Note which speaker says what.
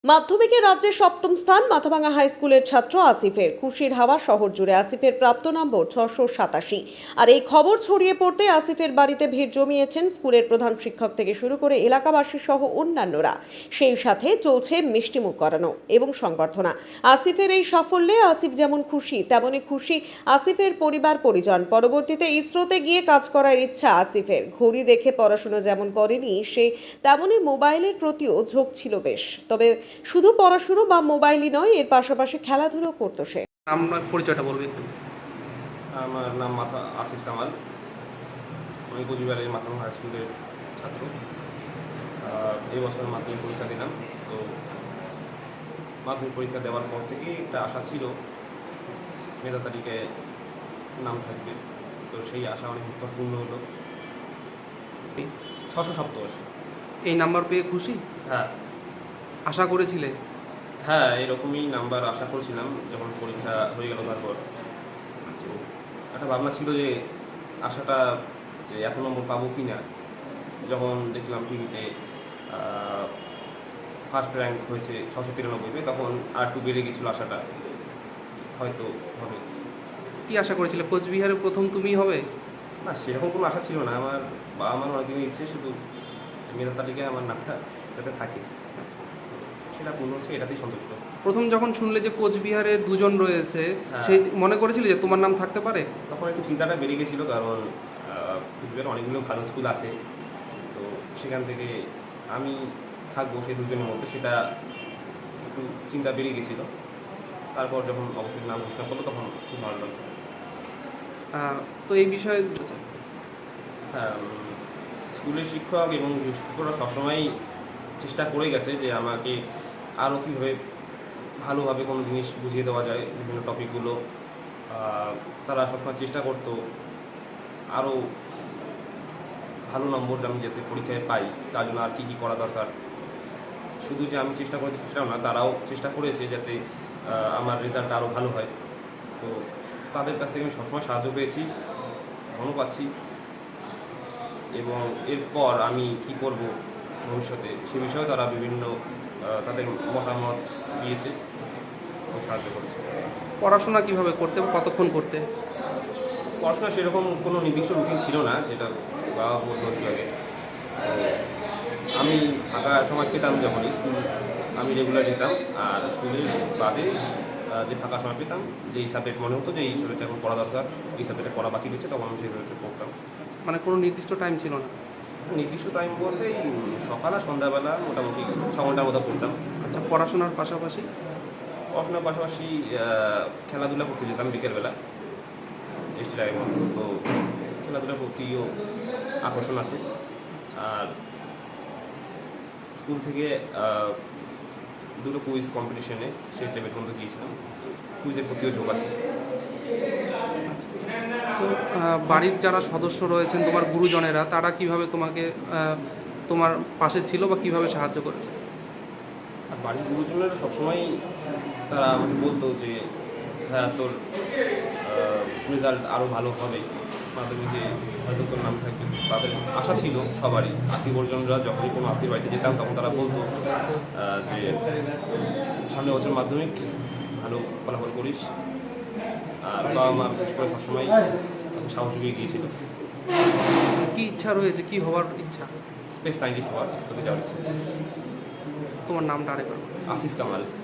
Speaker 1: মাধ্যমিকে রাজ্যে সপ্তম স্থান মাথাভাঙা হাই স্কুলের ছাত্র আসিফের। খুশির হাওয়া শহর জুড়ে। আসিফের প্রাপ্ত নম্বর 687। আর এই খবর ছড়িয়ে পড়তে আসিফের বাড়িতে ভিড় জমিয়েছেন স্কুলের প্রধান শিক্ষক থেকে শুরু করে এলাকাবাসী সহ অন্যান্যরা। সেই সাথে চলছে মিষ্টিমুখ করানো এবং সংবর্ধনা। আসিফের এই সাফল্যে আসিফ যেমন খুশি, তেমনই খুশি আসিফের পরিবার পরিজন। পরবর্তীতে ইসরোতে গিয়ে কাজ করার ইচ্ছা আসিফের। ঘড়ি দেখে পড়াশোনা যেমন করেনি সে, তেমনই মোবাইলের প্রতিও ঝোঁক ছিল বেশ। তবে শুধু পড়াশুনো বা মোবাইলই নয়, এর পাশাপাশি খেলাধুলো করতো সে।
Speaker 2: নাম পরিচয়টা বলবে একটু।
Speaker 3: আমার নাম আসিফ কামাল। আমি কোচবিহারের মাথাভাঙা হাই স্কুলের ছাত্র। এই বছর মাধ্যমিক পরীক্ষা দিলাম। তো মাধ্যমিক পরীক্ষা দেওয়ার পর থেকেই একটা আশা ছিল মেধা তালিকায় নাম থাকবে। তো সেই আশা অনেক পূর্ণ হলো। 687।
Speaker 2: এই নাম্বার পেয়ে খুশি?
Speaker 3: হ্যাঁ
Speaker 2: আশা করেছিলে?
Speaker 3: হ্যাঁ, এরকমই নাম্বার আশা করছিলাম যখন পরীক্ষা হয়ে গেল। তারপর তো একটা ভাবনা ছিল যে আশাটা যে এত নম্বর পাবো কি না। যখন দেখলাম টিভিতে ফার্স্ট র্যাঙ্ক হয়েছে 693, তখন আর একটু বেড়ে গেছিলো আশাটা, হয়তো হবে।
Speaker 2: কি আশা করেছিলে কোচবিহারে প্রথম তুমিই হবে?
Speaker 3: না, সেরকম কোনো আশা ছিল না। আমার বাবা মার অনেকদিনের ইচ্ছে শুধু মেধা তালিকায় আমার নামটা যাতে থাকে, সেটা পূর্ণ হচ্ছে, এটাতেই সন্তুষ্ট।
Speaker 2: প্রথম যখন শুনলে যে কোচবিহারে দুজন রয়েছে,
Speaker 3: হ্যাঁ।
Speaker 2: সেই মনে করেছিলে যে তোমার নাম থাকতে পারে?
Speaker 3: তখন একটু চিন্তাটা বেড়ে গেছিলো, কারণ কোচবিহারে অনেকগুলো ভালো স্কুল আছে। তো সেখান থেকে আমি থাকবো সেই দুজনের মধ্যে, সেটা একটু চিন্তা বেড়ে গেছিলো। তারপর যখন অবশ্যই নাম ঘোষণা করলো তখন খুব ভালো লাগলো।
Speaker 2: তো এই বিষয়ে
Speaker 3: হ্যাঁ, স্কুলের শিক্ষক এবং শিক্ষকরা সবসময়ই চেষ্টা করে গেছে যে আমাকে আরও কীভাবে ভালোভাবে কোনো জিনিস বুঝিয়ে দেওয়া যায়, বিভিন্ন টপিকগুলো তারা সবসময় চেষ্টা করতো আরও ভালো নম্বর আমি যাতে পরীক্ষায় পাই, তার জন্য আর কী কী করা দরকার। শুধু যে আমি চেষ্টা করেছি সেটাও না, তারাও চেষ্টা করেছে যাতে আমার রেজাল্টটা আরও ভালো হয়। তো তাদের কাছ থেকে আমি সবসময় সাহায্য পেয়েছি, এখনও পাচ্ছি। এবং এরপর আমি কি করব ভবিষ্যতে সে বিষয়েও তারা বিভিন্ন তাদের মতামত দিয়েছে এবং সাহায্য করেছে।
Speaker 2: পড়াশোনা কিভাবে করতে বা কতক্ষণ করতে?
Speaker 3: পড়াশোনা সেরকম কোনো নির্দিষ্ট রুটিন ছিল না, যেটা বাবা বলতো একটু আগে। আমি ফাঁকা সময় পেতাম যখন স্কুল, আমি রেগুলার যেতাম। আর স্কুলের বাদে যে ফাঁকা সময় পেতাম, যেই সাবজেক্ট মনে হতো যে এই সাবজেক্টটা এখন পড়া দরকার, এই সাবজেক্টে পড়া বাকি রয়েছে, তখন আমি সেই সাবজেক্টে পড়তাম।
Speaker 2: মানে কোনো নির্দিষ্ট টাইম ছিল না?
Speaker 3: নির্দিষ্ট টাইম বলতে সকাল আর সন্ধ্যাবেলা মোটামুটি 6 ঘন্টার মতো পড়তাম।
Speaker 2: আচ্ছা, পড়াশোনার পাশাপাশি?
Speaker 3: পড়াশোনার পাশাপাশি খেলাধুলা করতে যেতাম বিকেলবেলা, এসটি টাইমের মতো। তো খেলাধুলার প্রতিও আকর্ষণ আছে। আর স্কুল থেকে দুটো কুইজ কম্পিটিশনে সেই লেভেল পর্যন্ত গিয়েছিলাম, কুইজের প্রতিও ঝোঁক আছে।
Speaker 2: তো বাড়ির যারা সদস্য রয়েছেন, তোমার গুরুজনেরা, তারা কিভাবে তোমাকে তোমার পাশে ছিল বা কিভাবে সাহায্য করেছে?
Speaker 3: আর বাড়ির গুরুজনেরা সবসময়ই তারা আমাকে বলতো যে হ্যাঁ, তোর রেজাল্ট আরও ভালো হবে, মাধ্যমিকে হয়তো তোর নাম থাকবে। তাদের আশা ছিল সবারই। আত্মীয় পরিজনরা যখনই কোনো আত্মীয় বাড়িতে যেতাম তখন তারা বলতো যে সামনের বছর মাধ্যমিক ভালো ফলাফল করিস। আর বাবা মা বিশেষ করে সবসময় সাহস দিয়ে গিয়েছিল।
Speaker 2: কি ইচ্ছা রয়েছে, কি হওয়ার ইচ্ছা?
Speaker 3: স্পেস সায়েন্টিস্ট হওয়ার, স্কুলে যাওয়ার ইচ্ছা।
Speaker 2: তোমার নামটা আরেকবার?
Speaker 3: আসিফ কামাল।